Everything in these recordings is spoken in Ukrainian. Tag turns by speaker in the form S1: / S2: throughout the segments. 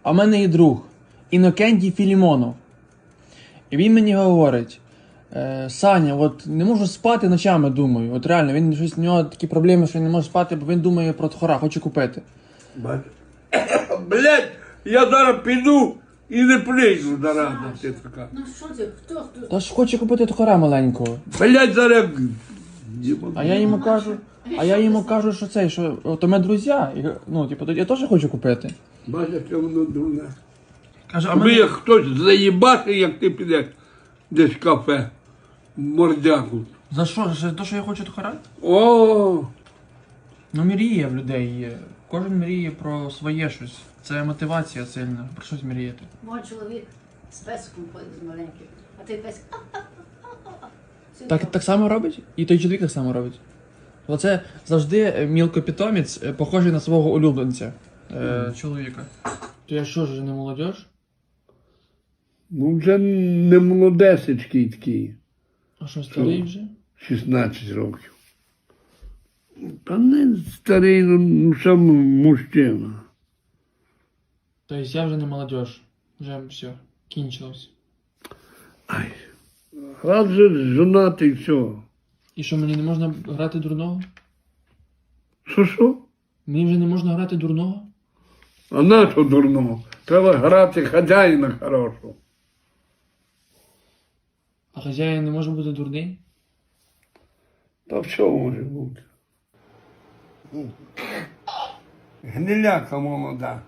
S1: А в мене є друг Інокентій Філімонов. І він мені говорить: Саня, от не можу спати ночами, думаю. От реально, він щось, у нього такі проблеми, що він не може спати, бо він думає про тхора, хоче купити.
S2: Блять, я зараз піду і не прийду зараза ти така.
S3: Ну що ти, хто?
S1: Та ж хоче купити тхора маленького.
S2: Блять, зараз...
S1: А я йому кажу, що цей, що от ми друзі, і, ну, типу, я теж хочу купити.
S2: Бачиш, що воно дурне.
S1: Каже,
S2: Аби як хтось заїбати, як ти підеш десь в кафе, мордяку.
S1: За що? За те, що я хочу тхора?
S2: О,
S1: Ну, мріє в людей є. Кожен мріє про своє щось. Це мотивація сильна, про щось мріяти.
S3: Мой чоловік з песиком ходить з маленьким, а той песик.
S1: Так само робить? І той чоловік так само робить. Оце завжди мілкопітомець, похожий на свого улюбленця чоловіка. То я що ж, не молодіж?
S2: ну вже не молодесечкий такий,
S1: А що, старий вже?
S2: 16 років. Та не старий, ну сам мужчина.
S1: Тобто я вже не молодіж. Вже все, кінчилось.
S2: Ай, раз же жонатий, все.
S1: І що, мені не можна грати дурного?
S2: Що?
S1: Мені вже не можна грати дурного?
S2: А на що дурного? Треба грати хазяїна хорошого.
S1: А хазяїн не може бути дурний?
S2: Та все може бути. Гниляка молода.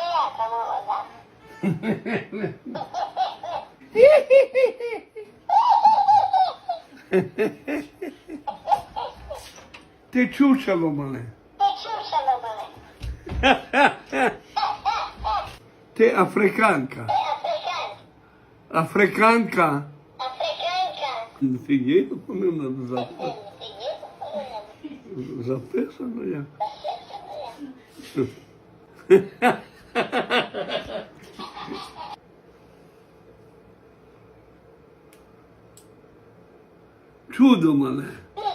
S2: Ти чучело мене. Ти африканка. Африканка. Фігію повинна записати. Записано як. Чудо мене.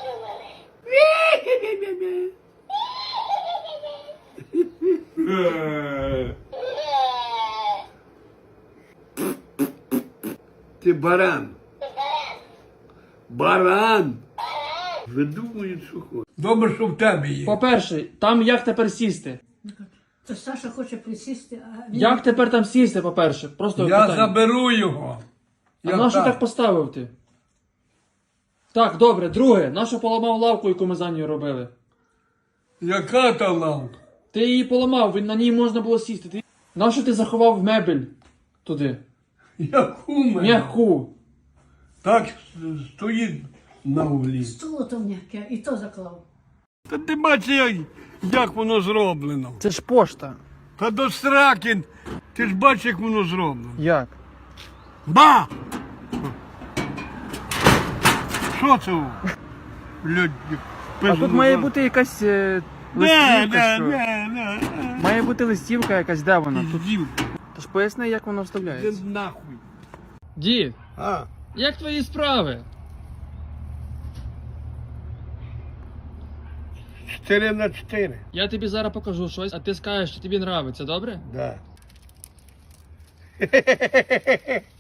S2: Ти баран. Баран. Видумують, що хочуть. Добре, що в тебе є.
S1: По-перше, там як тепер сісти?
S3: То Саша хоче присісти, а він...
S1: Як тепер там сісти, по-перше? Просто
S2: Я
S1: питання.
S2: заберу його.
S1: А нащо так поставив ти? Так, добре, друге, нащо поламав лавку, яку ми за нею робили?
S2: Яка та лавка?
S1: Ти її поламав, на ній можна було сісти. Нащо ти заховав мебель туди?
S2: Яку мене?
S1: М'яку.
S2: Так стоїть на углі.
S3: Стуло то м'яке, і то заклав.
S2: Та ти бачиш, як воно зроблено.
S1: Це ж пошта.
S2: Та до сраки, ти ж бачиш, як воно зроблено.
S1: Як?
S2: Ба! Що це? Люди,
S1: А тут має бути якась листівка, що?
S2: не.
S1: Має бути листівка якась, де вона? Тут...
S2: Піздів.
S1: Тож поясни, як воно
S2: Ти
S1: вставляється.
S2: нахуй.
S1: Дід,
S2: А,
S1: як твої справи?
S2: 4×4.
S1: Я тобі зараз покажу щось, а ти скажеш, що тобі подобається, добре?
S2: Да.